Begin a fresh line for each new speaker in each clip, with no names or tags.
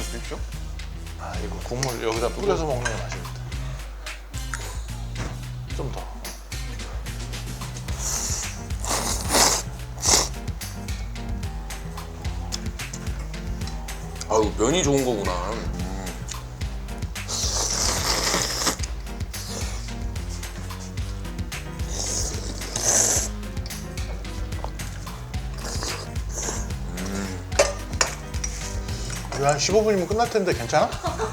드십시오.
아 이거 국물 여기다 뿌려서 먹는 게 맛있겠다. 좀 더.
아유, 면이 좋은 거구나.
이거 한 15분이면 끝날 텐데 괜찮아?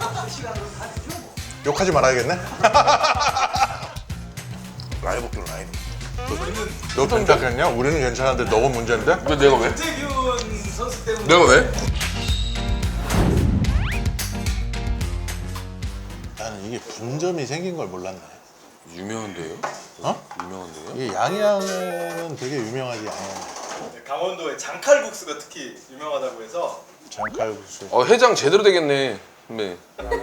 욕하지 말아야겠네.
라이 먹기로 라이.
너 괜찮겠냐? 우리는 괜찮은데 너가 문제인데?
왜 내가 왜?
김태균 선수 때문에
내가 왜?
나는 이게 분점이 생긴 걸 몰랐네.
유명한데요?
어?
유명한데요?
이게 양양은 되게 유명하지 양양.
네, 강원도의 장칼국수가 특히 유명하다고 해서
장칼국수.
해장 제대로 되겠네. 네.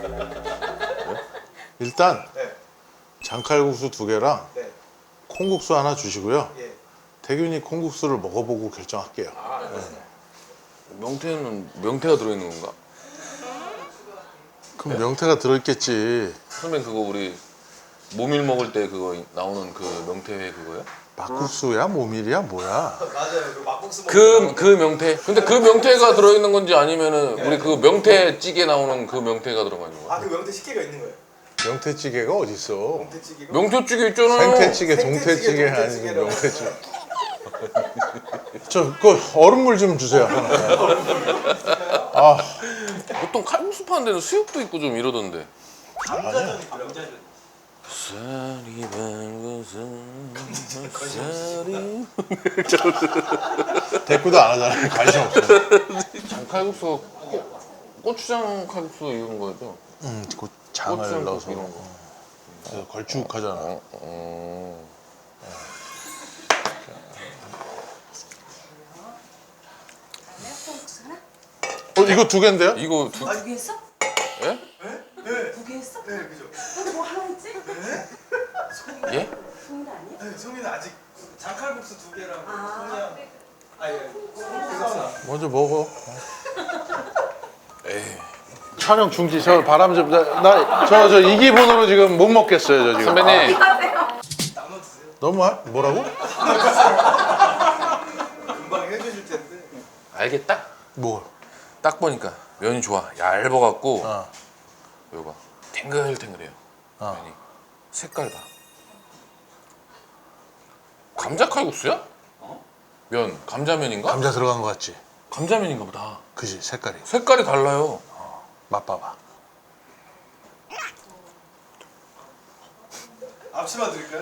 일단
네,
장칼국수 2개랑
네,
콩국수 하나 주시고요.
예.
태균이 콩국수를 먹어보고 결정할게요.
명태가 들어있는 건가?
그럼 명태가 들어있겠지.
선배 그거 우리 모밀 먹을 때 그거 나오는 그 명태 그거요?
막국수야? 모밀이야? 뭐야?
맞아요. 그 막국수
그 명태. 근데 그 명태가 들어있는 건지 아니면은 우리 그 명태 찌개 나오는 그 명태가 들어가 있는 거야?
아그 명태 식혜가 있는 거예요.
명태찌개가 어딨어?
명태찌개가
명태찌개 있잖아.
생태찌개,
생태찌개,
동태찌개 아니고
동태찌개라고.
명태찌개. 그 얼음물 좀 주세요. 하나. 아,
보통 칼국수 파는 데는 수육도 있고 좀 이러던데.
감자전 있더라고요.
쌀이 밝아서
대꾸도 안 하잖아요. 관심 없어.
장칼국수 고추장 칼국수 이런 거죠?
그 장을
고추장
넣어서
이런 거.
그래서 걸쭉하잖아. 이거 2개인데요?
이거
두 개 했어?
예?
네,
두 개 했어?
네, 그죠.
근데 뭐 하나 했지?
예?
송이는 아니야?
네, 소민은 아직 장칼국수 2개랑
아.
소미야. 아예 콩국수.
먼저 먹어.
에이.
촬영 중지. 저 바람 좀. 저 이 기분으로 지금 못 먹겠어요. 저 지금.
선배님
나눠 드세요.
너무 뭐라고?
금방 해주실 텐데.
알겠다?
뭐?
딱 보니까 면이 좋아. 얇아갖고
어.
이거 봐. 탱글탱글해요.
어.
면이. 색깔 봐. 감자 칼국수야? 면 감자면인가?
감자 들어간 거 같지?
감자면인가 보다.
그지 색깔이.
색깔이 달라요.
맛봐봐.
앞치마 드릴까요?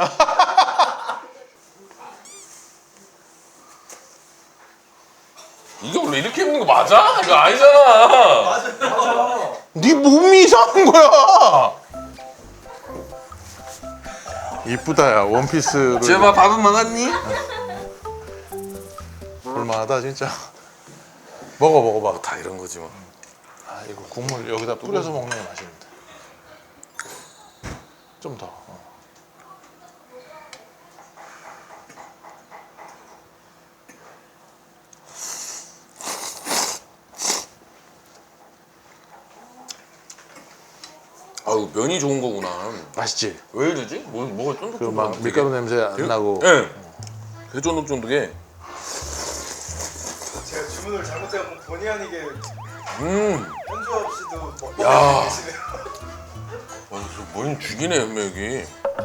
이게 원래 이렇게 입는 거 맞아? 이거 아니잖아.
맞아요.
네 몸이 이상한 거야. 이쁘다 야 원피스를.
제발 밥은 먹었니?
볼만하다 진짜. 먹어봐.
다 이런 거지 뭐.
아 이거 국물 여기다 뿌려서 먹는 게 맛있는데. 좀 더.
아유 면이 좋은 거구나.
맛있지?
왜 이러지? 뭐가 쫀득쫀득.
그 막 밀가루 냄새 안 나고.
예. 되게 쫀득쫀득해.
제가 주문을 잘못해서 본의 아니게
음.
현주엽 씨도 먹고
야.
계시네요.
뭔 죽이네 연맥이.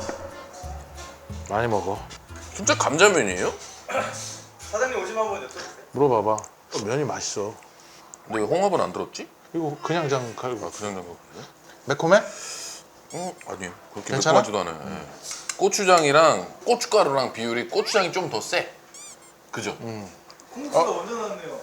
많이 먹어.
진짜 감자면이에요?
사장님 오시면 한번 여쭤보세요.
물어봐봐. 면이 맛있어.
근데 왜 홍합은 안 들었지?
이거 그냥 장칼국수.
아 그냥 된 거거든요.
매콤해?
아니요. 그렇게
괜찮아?
매콤하지도 않아요. 예. 고추장이랑 고춧가루랑 비율이 고추장이 좀 더 세. 그죠?
콩국수가 먼저 나왔네요.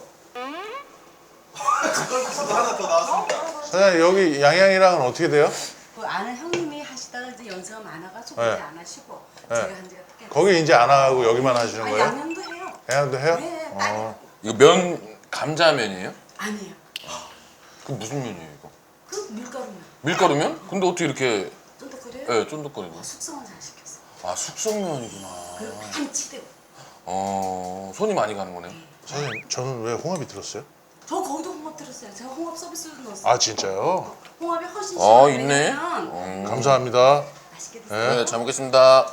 콩국수도 하나 더 나왔습니다.
사장님 여기 양양이랑은 어떻게 돼요?
그 아는 형님이 하시다가 이제 연세가 많아가지고
네.
이제 안 하시고
네.
제가 한 지가 크게
거기 이제 안 하고 여기만 하시는 거예요?
양념도 해요.
양양도 해요?
네,
이거 면 감자면이에요?
아니에요.
그 무슨 면이에요 이거?
그 밀가루면
밀가루면? 근데 어떻게 이렇게
쫀득거려요?
쫀득거리냐?
숙성은 잘 시켰어.
아 숙성면이구나.
그리고 한치대고.
손이 많이 가는 거네요.
사장님 저는 왜 홍합이 들었어요?
저 거기도 홍합 들었어요. 제가 홍합 서비스로 넣었어요.
아 진짜요?
홍합이 훨씬
아,
시원해요.
있네.
왜냐면
감사합니다.
맛있게 드세요.
네, 잘 먹겠습니다.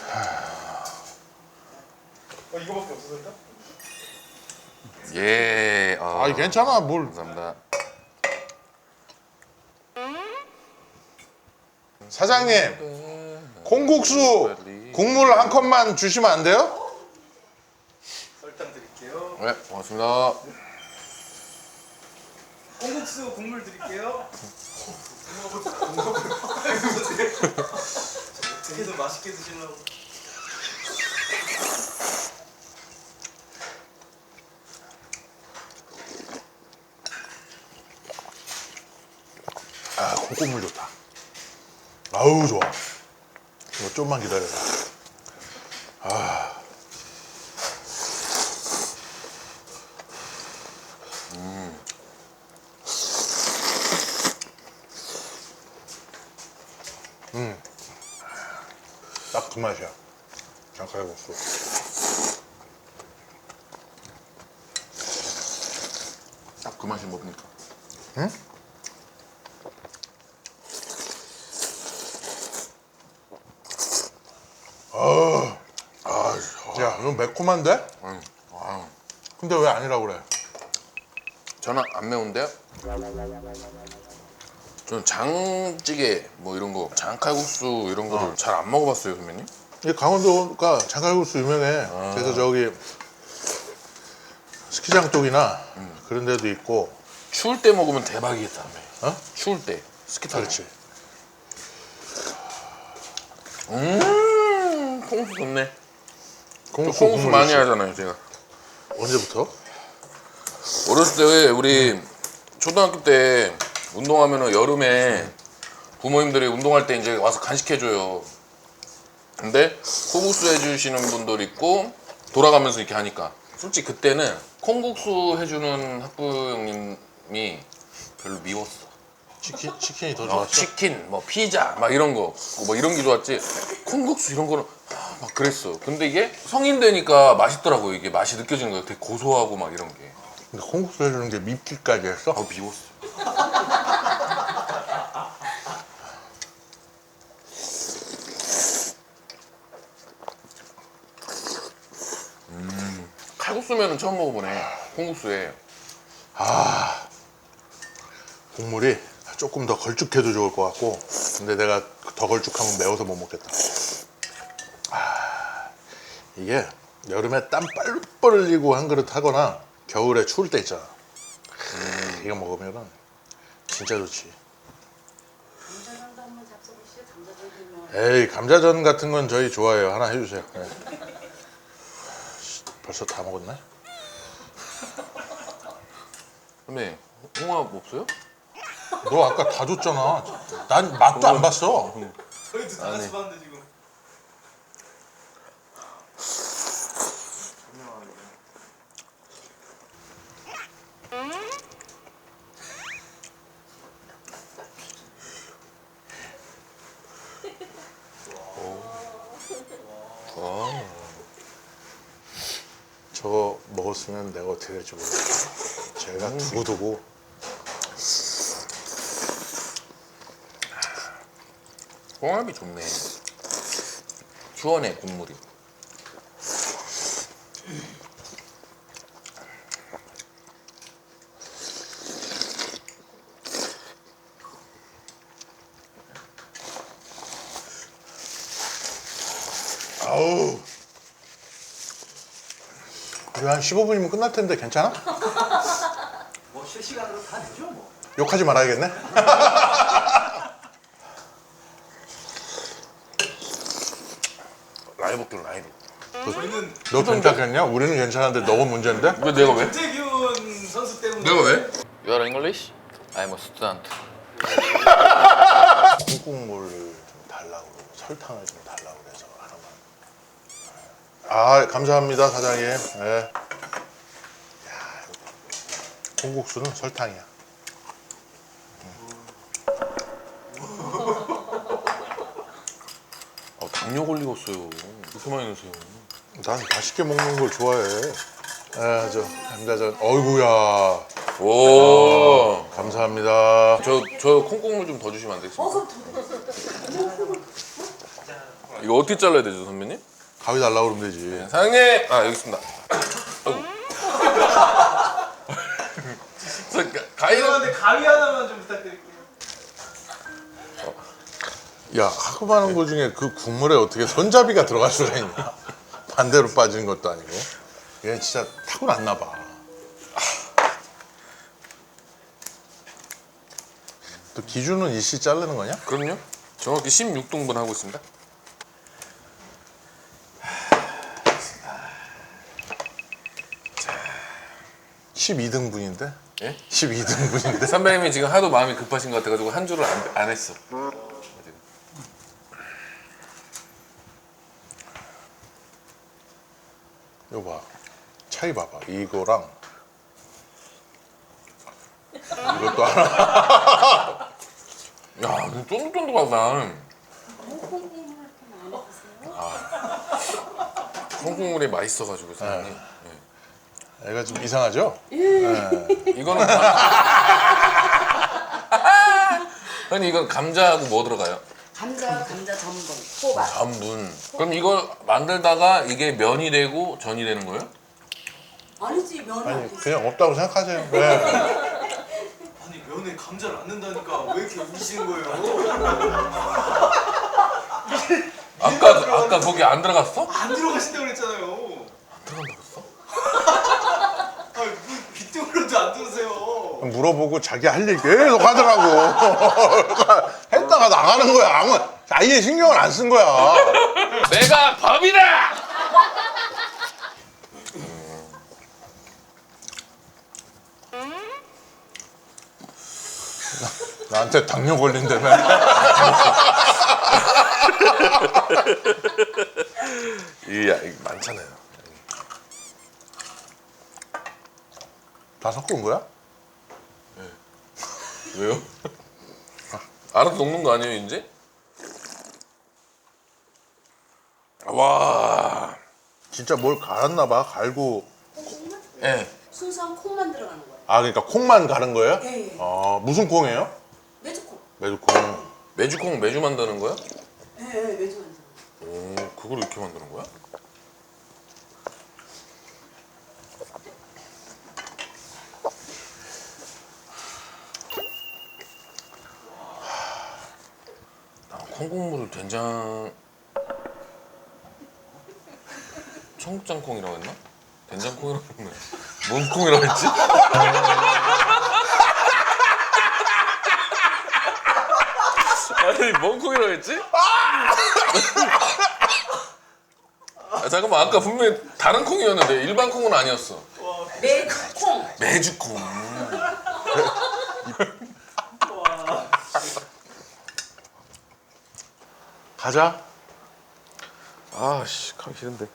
이거밖에 없어서 일단?
예.
아 괜찮아 뭘.
감사합니다.
사장님 콩국수 국물 한 컵만 주시면 안 돼요?
설탕 드릴게요.
네, 고맙습니다.
콩국수 국물 드릴게요. 어떻게든 맛있게 드시려고.
아 콩국물 좋다. 아우 좋아. 이거 좀만 기다려라. 아. 딱 그 맛이야. 장칼국수.
딱 그 맛이 뭡니까?
응? 야, 이거 매콤한데?
아,
근데 왜 아니라고 그래?
저는 안 매운데요? 저는 장찌개 뭐 이런 거, 장칼국수 이런 거를 잘 안 먹어봤어요, 선배님.
이 강원도가 장칼국수 유명해. 그래서 저기 스키장 쪽이나 그런 데도 있고.
추울 때 먹으면 대박이겠다, 선배.
어?
추울 때 스키 타고.
그렇지.
콩국수 좋네. 저
콩국수
콩국수
국물
많이
있어.
하잖아요, 제가.
언제부터?
어렸을 때 우리 초등학교 때 운동하면은 여름에 부모님들이 운동할 때 이제 와서 간식해줘요. 근데 콩국수 해주시는 분들 있고 돌아가면서 이렇게 하니까 솔직히 그때는 콩국수 해주는 학부 형님이 별로 미웠어.
치킨이 더 좋았어?
치킨, 뭐 피자, 막 이런 거, 뭐 이런 게 좋았지. 콩국수 이런 거는 막 그랬어. 근데 이게 성인 되니까 맛있더라고요. 이게 맛이 느껴지는 거예요. 되게 고소하고 막 이런 게.
근데 콩국수 해주는 게 밉기까지 했어?
아 미웠어. 칼국수면은 처음 먹어보네. 콩국수에.
국물이 조금 더 걸쭉해도 좋을 것 같고, 근데 내가 더 걸쭉하면 매워서 못 먹겠다. 이게 여름에 땀 뻘뻘 흘리고 한 그릇 하거나 겨울에 추울 때 있잖아. 이거 먹으면은 진짜 좋지.
감자전도 한번 잡숴보시죠. 감자전 유명.
에이, 감자전 같은 건 저희 좋아해요. 하나 해주세요. 네. 벌써 다 먹었네?
선배 홍합 없어요?
너 아까 다 줬잖아. 난 맛도 안 봤어.
저희도 다 같이 봤는데 지금.
저거 먹었으면 내가 어떻게 될지 모르겠어. 제가 두고두고.
홍합이 좋네. 시원해 국물이.
아우. 이거 한 15분이면 끝날 텐데 괜찮아?
뭐 실시간으로 다 되죠 뭐.
욕하지 말아야겠네.
라이브 길 라이브.
저희는
너 괜찮겠냐? 우리는 괜찮은데 너가 문제인데?
왜 내가 왜?
김태균 선수 때문에.
내가 왜? You are English? I'm a student.
콩국물을 좀 달라고 그러고 설탕을 좀 달라고 그래서 하나만. 아, 감사합니다 사장님. 네. 야, 콩국수는 설탕이야.
당뇨 걸리겠어요. 그렇게 많이 넣으세요.
난 맛있게 먹는 걸 좋아해. 아, 저 감자전. 어이구야.
오.
감사합니다.
저 콩국물 좀 더 주시면 안 되겠습니까?
그럼 더
이거 어떻게 잘라야 되죠, 선배님?
가위 달라고 그러면 되지.
사장님! 아, 여기 있습니다. 아이고. 가위는
죄송한데 가위 하나만 좀 부탁드릴게요.
야, 하고 많은 거 중에 그 국물에 어떻게 손잡이가 들어갈 수가 있냐? 반대로 빠지는 것도 아니고. 얘 진짜 타고났나 봐. 또 기준은 일시 자르는 거냐?
그럼요. 정확히 16등분 하고 있습니다.
12등분인데?
예?
12등분인데?
선배님이 지금 하도 마음이 급하신 것 같아가지고 한 줄을 안 했어.
이거 봐. 차이 봐봐. 이거랑 이것도 하나.
야, 이거 쫀득쫀득하다.
콩국물 이렇게 많이 드세요?
콩국물이 맛있어가지고 사장님.
애가 좀 이상하죠?
이거는 아니 이건 감자하고 뭐 들어가요?
감자 전분, 호박.
전분. 그럼 이걸 만들다가 이게 면이 되고 전이 되는 거예요?
아니지 면이
아니,
안 됐어.
그냥 없다고 생각하세요. 네.
아니 면에 감자를 안 넣는다니까 왜 이렇게 우시는 거예요?
아까 거기 안 들어갔어?
안 들어가신다고 그랬잖아요.
안 들어간다고 했어?
아니 뭐 귀뚱으로도 안 들으세요.
물어보고 자기 할 일 계속 하더라고. 했다가 나가는 거야. 아예 신경을 안 쓴 거야.
내가 범이다!
나한테 당뇨 걸린다며.
이야 이거 많잖아요.
다 섞은 거야?
왜요? 알아서 녹는 거 아니에요 이제? 와.
진짜 뭘 갈았나 봐. 갈고.
콩국물?
예.
순수한 콩만 들어가는 거예요.
아, 그러니까 콩만 가른 거예요?
예, 예.
무슨 콩이에요?
메주콩.
메주콩.
메주콩 매주 만드는 거야?
예, 메주 만드는 거.
오, 그걸 이렇게 만드는 거야? 콩국물을 된장 청국장콩이라고 했나? 된장콩이라고 했나? 뭔 콩이라고 했지? 아니 뭔 콩이라고 했지? 아, 잠깐만 아까 분명히 다른 콩이었는데 일반 콩은 아니었어.
메주콩.
메주콩.
가자.
아씨 가기 싫은데.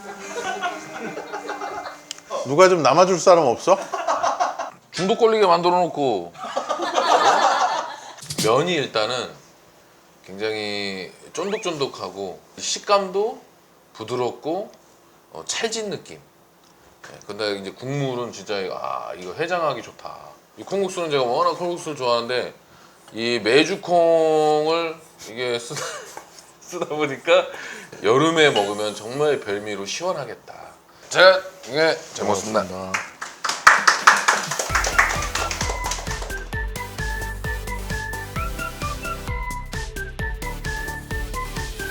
누가 좀 남아줄 사람 없어?
중독 걸리게 만들어 놓고 면이 일단은 굉장히 쫀득쫀득하고 식감도 부드럽고 찰진 느낌. 네, 근데 이제 국물은 진짜 이거 해장하기 좋다. 이 콩국수는 제가 워낙 콩국수를 좋아하는데 이 메주콩을 이게 쓰다 보니까 여름에 먹으면 정말 별미로 시원하겠다. 자, 이게 잘 먹었습니다.
고맙습니다.